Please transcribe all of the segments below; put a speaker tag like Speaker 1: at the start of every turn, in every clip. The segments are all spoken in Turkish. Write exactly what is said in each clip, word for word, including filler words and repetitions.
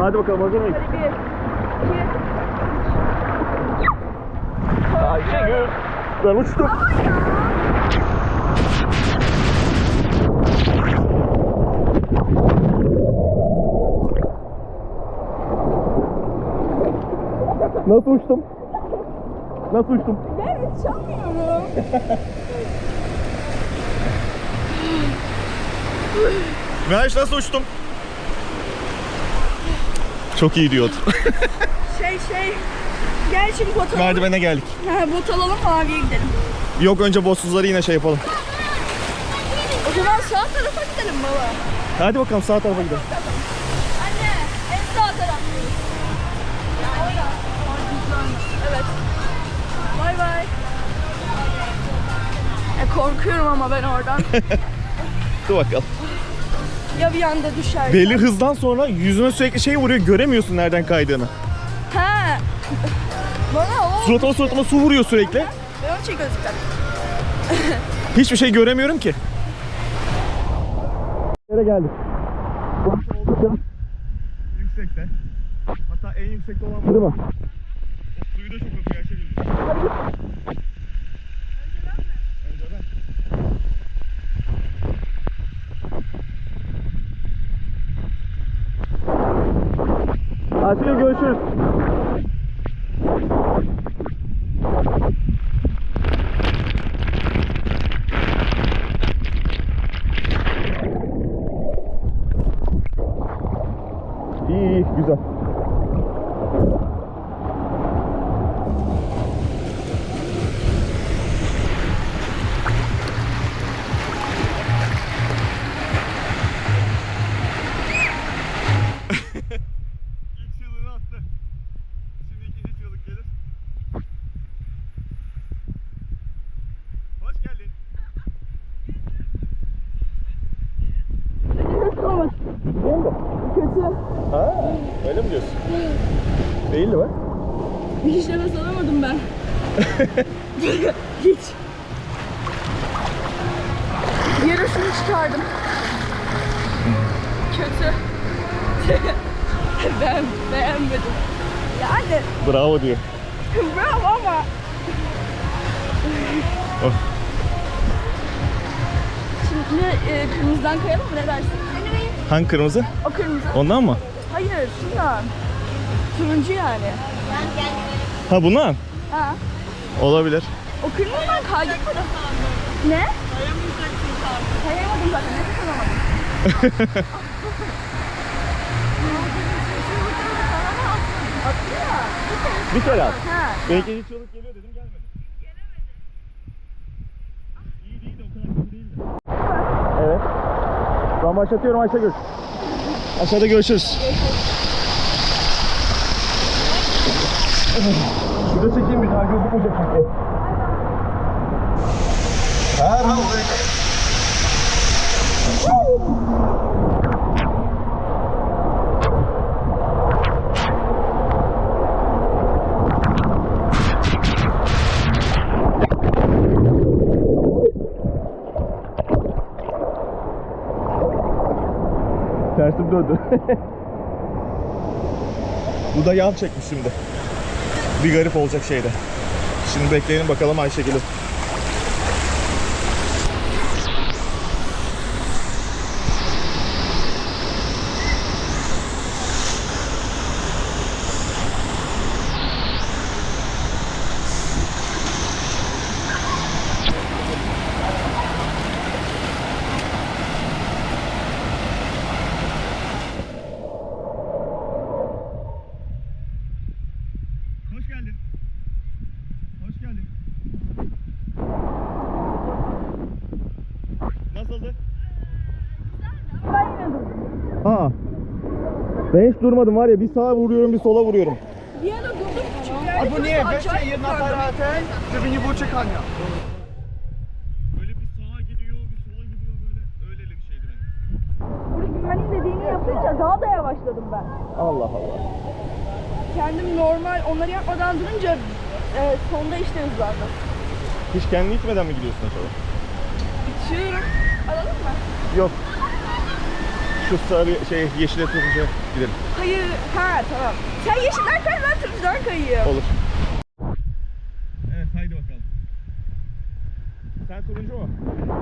Speaker 1: Hadi bakalım, hazır mıyız?
Speaker 2: Hadi bir, iki.
Speaker 1: Ayşegül. Ben uçtum. Nasıl uçtum? Nasıl uçtum?
Speaker 2: Ben uçamıyorum.
Speaker 1: Meraş, nasıl uçtum? Çok iyi diyordu.
Speaker 2: Şey şey. Gel şimdi bot alalım.
Speaker 1: Merdivene geldik.
Speaker 2: Ha, bot alalım, maviye gidelim.
Speaker 1: Yok, önce bossuzları yine şey yapalım.
Speaker 2: O zaman sağ tarafa gidelim baba.
Speaker 1: Hadi bakalım, sağ tarafa gidelim.
Speaker 2: Anne, en sağ taraf. Evet. Bay bay. E, korkuyorum ama ben oradan.
Speaker 1: Dur bakalım.
Speaker 2: Ya bir anda düşer.
Speaker 1: Belli hızdan sonra yüzüne sürekli şey vuruyor, göremiyorsun nereden kaydığını.
Speaker 2: Ha. Bana o.
Speaker 1: Suratıma suratıma su vuruyor sürekli.
Speaker 2: Ben onu şey gözükten.
Speaker 1: Hiçbir şey göremiyorum ki. Nereye geldik? Yüksekte. Hatta en yüksekte olan bu. Değil mi? O suyu da çok akıyor, her şey gözüküyor. Önce ben. Ayşegül, görüşürüz. İyi iyi, güzel. İlk çığlığını attı. Şimdi ikinci çığlık gelir. Hoş geldin. Değil mi?
Speaker 2: Kötü.
Speaker 1: Ha, öyle mi diyorsun? Değildi bak.
Speaker 2: Bir işe nefes alamadım ben. Hiç. Yarısını çıkardım. Kötü. Ben beğenmedim. Yani
Speaker 1: Bravo diyor.
Speaker 2: bravo ama.
Speaker 1: Oh.
Speaker 2: Şimdi e, kırmızıdan kayalım mı, ne dersin?
Speaker 1: Hangi kırmızı?
Speaker 2: O kırmızı.
Speaker 1: Ondan mı?
Speaker 2: Hayır, şundan. Turuncu yani.
Speaker 1: Ha, bundan?
Speaker 2: Ha.
Speaker 1: Olabilir.
Speaker 2: O kırmızıdan kaydık mı? Ne? Kayamadım zaten, nefes alamadım. Attı ya.
Speaker 1: Bir kere at.
Speaker 2: Ha.
Speaker 1: Belki ikinci çığlık geliyor dedim, gelmedi. İyi değil de o kadar kötü değildi. Evet. Ben başlatıyorum Ayşegül. Aşağıda görüşürüz. Şurada çekeyim, bir daha gözükmeyecek çünkü. Her tersim döndü. Bu da yan çekmiş şimdi. Bir garip olacak şeyde. Şimdi bekleyelim bakalım Ayşegül'ü. Hoş geldin. Hoş geldin. Nasıldı?
Speaker 2: Ben yine durdum.
Speaker 1: Ha. Ben hiç durmadım var ya, bir sağa vuruyorum bir sola vuruyorum.
Speaker 2: Bir ara durdum çünkü yani
Speaker 3: Albo nie,
Speaker 2: çok
Speaker 3: weźcie
Speaker 2: acayip
Speaker 3: jedna
Speaker 2: yukarıda.
Speaker 3: para ten, żeby nie było czekania.
Speaker 1: Böyle bir sağa gidiyor bir sola gidiyor, böyle öyleli bir şeydi benim.
Speaker 2: Burada güvenliğin dediğini yapınca daha da yavaşladım ben.
Speaker 1: Allah Allah.
Speaker 2: Kendim normal onları yapmadan durunca e, sonda işte hızlandım.
Speaker 1: Hiç kendini itmeden mi gidiyorsun acaba?
Speaker 2: İçiyorum. Alalım mı?
Speaker 1: Yok. Şu sarı şey yeşile tutunca gidelim.
Speaker 2: Hayır. Ha tamam. Sen yeşilden kay, ben turuncudan kayayım.
Speaker 1: Olur. Evet haydi bakalım. Sen turuncu mu?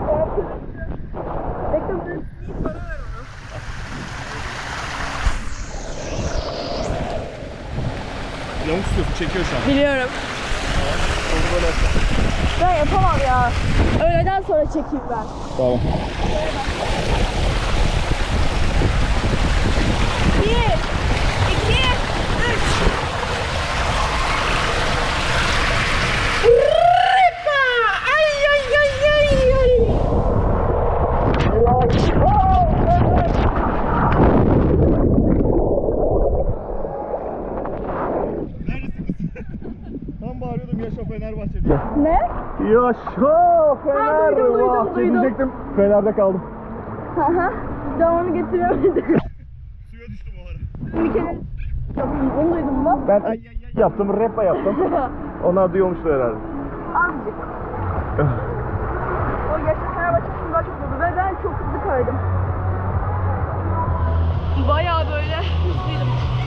Speaker 2: Bekle bir bana ver onu.
Speaker 1: Yamuk tutuyorsun, çekiyor şu an.
Speaker 2: Biliyorum.
Speaker 1: Onu böyle yapma.
Speaker 2: Ben yapamam ya. Öğleden sonra çekeyim ben.
Speaker 1: Tamam.
Speaker 2: Bir, iki, üç. Rıpa! Ay ay ay ay ay.
Speaker 1: Tam bağırıyordum yaşa Fenerbahçe diye.
Speaker 2: Ne?
Speaker 1: Yaşa Fenerbahçe
Speaker 2: duydum, duydum, duydum.
Speaker 1: diyecektim. Fener'de kaldım.
Speaker 2: Haha. Devamını getiremedim.
Speaker 1: Suya düştüm o ara.
Speaker 2: Bir kere onu duydun mu?
Speaker 1: Ben ay ay ay yaptım, rap'a yaptım. Onlar duyuyormuştu herhalde.
Speaker 2: Azıcık. O gerçekten Fenerbahçe'nin daha çok oldu ve ben çok hızlı kaydım. Bayağı böyle hızlıydım.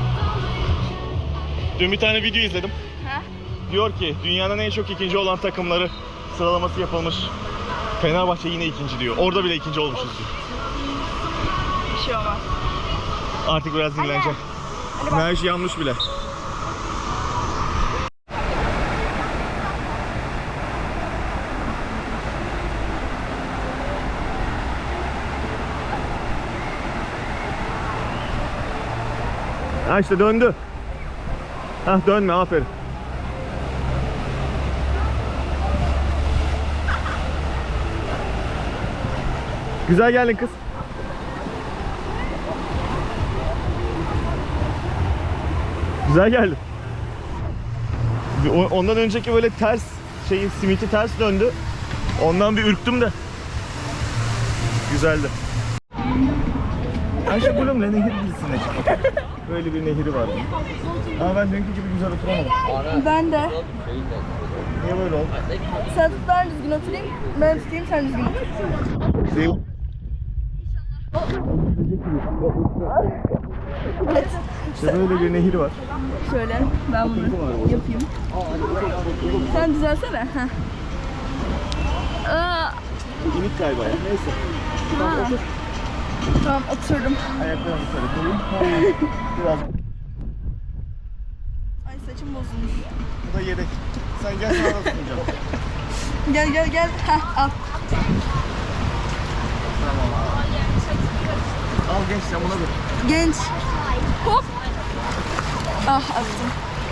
Speaker 1: Dün bir tane video izledim.
Speaker 2: He?
Speaker 1: Diyor ki dünyanın en çok ikinci olan takımları sıralaması yapılmış. Fenerbahçe yine ikinci diyor. Orada bile ikinci olmuşuz diyor.
Speaker 2: Bir şey olmaz.
Speaker 1: Artık biraz dinleneceğim.
Speaker 2: Hadi bak.
Speaker 1: Merş yanmış bile. Ha işte döndü. Hah dönme aferin. Güzel geldin kız. Güzel geldin. O- Ondan önceki böyle ters şeyi simiti ters döndü. Ondan bir ürktüm de. Güzeldi. Ayşe Bloom'la nehir dizisinde çıktı. Böyle bir nehri var. Ama ben dünkü gibi güzel oturamadım.
Speaker 2: Ben de.
Speaker 1: Niye böyle oldu?
Speaker 2: Sen tut, ben düzgün oturayım. Ben tutayım, sen düzgün otur.
Speaker 1: Değil.
Speaker 2: Evet.
Speaker 1: İşte böyle bir nehir var.
Speaker 2: Şöyle ben bunu yapayım. Sen düzelsene. Heh. Aa,
Speaker 1: İnik galiba ya. Neyse.
Speaker 2: ha. Tamam oturdum.
Speaker 1: Ayaklarımı şöyle koyayım. Biraz.
Speaker 2: Ay saçım bozulmuş.
Speaker 1: Bu da yedek. Sen gel sana da sunacağım.
Speaker 2: Gel gel gel. Heh, al.
Speaker 1: Al genç sen buna dur.
Speaker 2: Genç. Hop. Ah attım.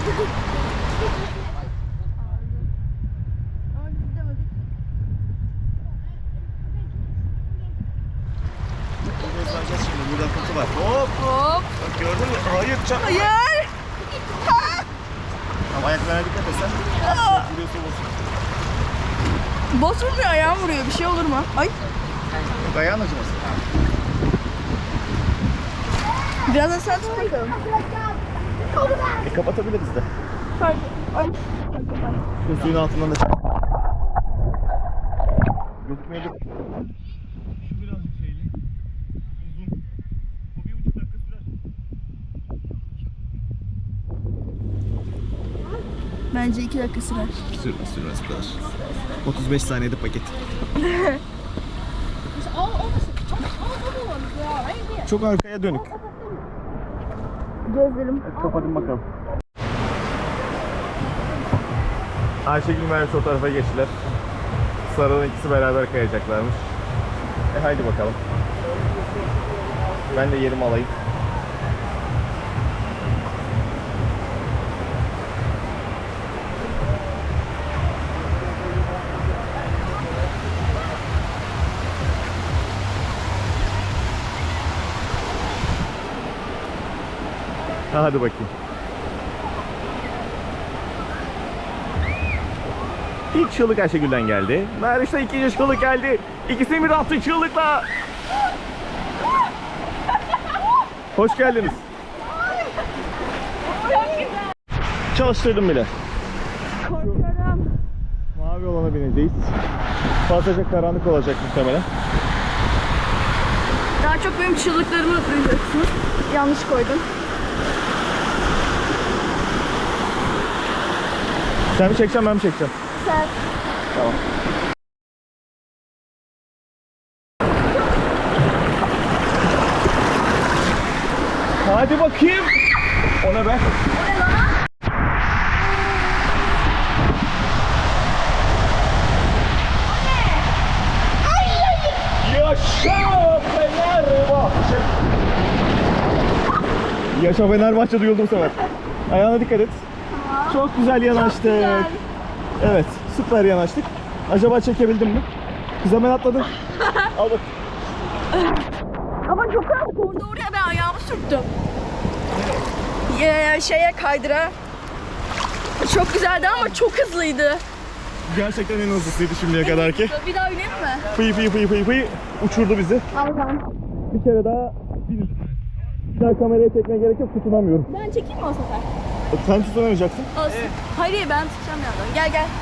Speaker 1: Gözleneceğiz şimdi. Burada kutu var. Hop.
Speaker 2: Hop.
Speaker 1: Bak gördün mü? Hayır çarpma.
Speaker 2: Hayır.
Speaker 1: Ama ayaklarına dikkat et sen.
Speaker 2: Aa.
Speaker 1: Vuruyorsa vursun.
Speaker 2: Boz vurmuyor, ayağım vuruyor. Bir şey olur mu? Ay.
Speaker 1: Yok ayağın acımasın.
Speaker 2: Birazdan sen tut bakalım.
Speaker 1: E kapatabiliriz de.
Speaker 2: Fark. Ay.
Speaker 1: Şu suyun altından da çek. Gözükmüyordu. Şu birazcık şeyli. Uzun. Bu bir buçuk dakika sürer.
Speaker 2: Bence iki dakika sürer.
Speaker 1: Sürmez sürmez bu kadar. otuz beş saniyede paket. Çok arkaya dönük.
Speaker 2: Gözlerim.
Speaker 1: Evet, kapatın bakalım. Ayşegül Merve o tarafa geçtiler. Sarı'nın ikisi beraber kayacaklarmış. E haydi bakalım. Ben de yerimi alayım. Ha, hadi bakayım. İlk çığlık Ayşegül'den geldi. Meriç'te ikinci çığlık geldi. İkisini bir attı çığlıkla. Hoş geldiniz. Çalıştırdım bile.
Speaker 2: Korkuyorum.
Speaker 1: Mavi olana bineceğiz. Fazlaca karanlık olacak muhtemelen.
Speaker 2: Daha çok benim çığlıklarımı duyacaksınız. Yanlış koydum.
Speaker 1: Sen mi çekeceksin ben mi çekeceğim?
Speaker 2: Sen.
Speaker 1: Tamam. Hadi bakayım. O ne be? Yaşa Fenerbahçe. Yaşa Fenerbahçe duyuldu bu sefer. Ayağına dikkat et. Çok güzel yanaştık.
Speaker 2: güzel.
Speaker 1: Evet, süper yanaştık. Acaba çekebildim mi? Kız hemen atladın. Al bak.
Speaker 2: Ama çok rahat. Orada oraya ben ayağımı sürttüm. Ee, şeye kaydıra. Çok güzeldi ama çok hızlıydı.
Speaker 1: Gerçekten en hızlısıydı şimdiye kadar ki.
Speaker 2: Bir daha bineyim mi?
Speaker 1: Fıy fıy fıy fıy fıy uçurdu bizi.
Speaker 2: Aldan.
Speaker 1: Bir kere daha bir, bir daha kameraya çekmeye gerek yok, tutunamıyorum.
Speaker 2: Ben çekeyim mi o sefer?
Speaker 1: Sen tutunamayacaksın.
Speaker 2: Olsun. Hayır hayır, ben tutacağım yandan. Gel gel.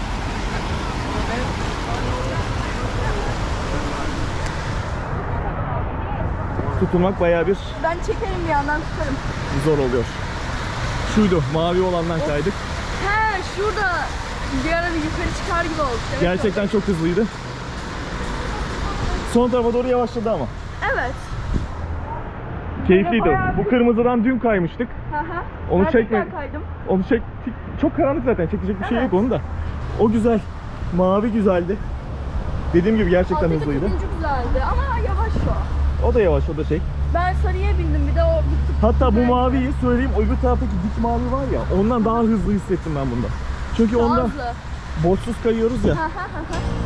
Speaker 1: Tutunmak bayağı bir
Speaker 2: Ben çekerim bir yandan tutarım.
Speaker 1: zor oluyor. Şuydu, mavi olandan kaydık.
Speaker 2: He şurada bir ara bir yukarı çıkar gibi oldu. Evet,
Speaker 1: Gerçekten çok hızlıydı. Son tarafa doğru yavaşladı ama.
Speaker 2: Evet.
Speaker 1: Keyifliydi.
Speaker 2: bayağı
Speaker 1: Bu kırmızıdan dün kaymıştık.
Speaker 2: Hı hı.
Speaker 1: Onu
Speaker 2: Ben
Speaker 1: çekme.
Speaker 2: tekrar kaydım.
Speaker 1: Onu çektik. Çok karanlık zaten. Çekecek bir şey
Speaker 2: Evet.
Speaker 1: yok onun da. O güzel. Mavi güzeldi. Dediğim gibi gerçekten
Speaker 2: Alttaki
Speaker 1: hızlıydı.
Speaker 2: turuncu güzeldi ama yavaş o.
Speaker 1: O da yavaş, o da şey.
Speaker 2: Ben sarıya bindim bir de o bir tık
Speaker 1: Hatta bu
Speaker 2: güzeldi.
Speaker 1: maviyi söyleyeyim, öbür taraftaki dik mavi var ya, ondan daha hızlı hissettim ben bunda. Çünkü
Speaker 2: Daha
Speaker 1: onda
Speaker 2: hızlı.
Speaker 1: boşsuz kayıyoruz ya.
Speaker 2: Hı hı hı hı.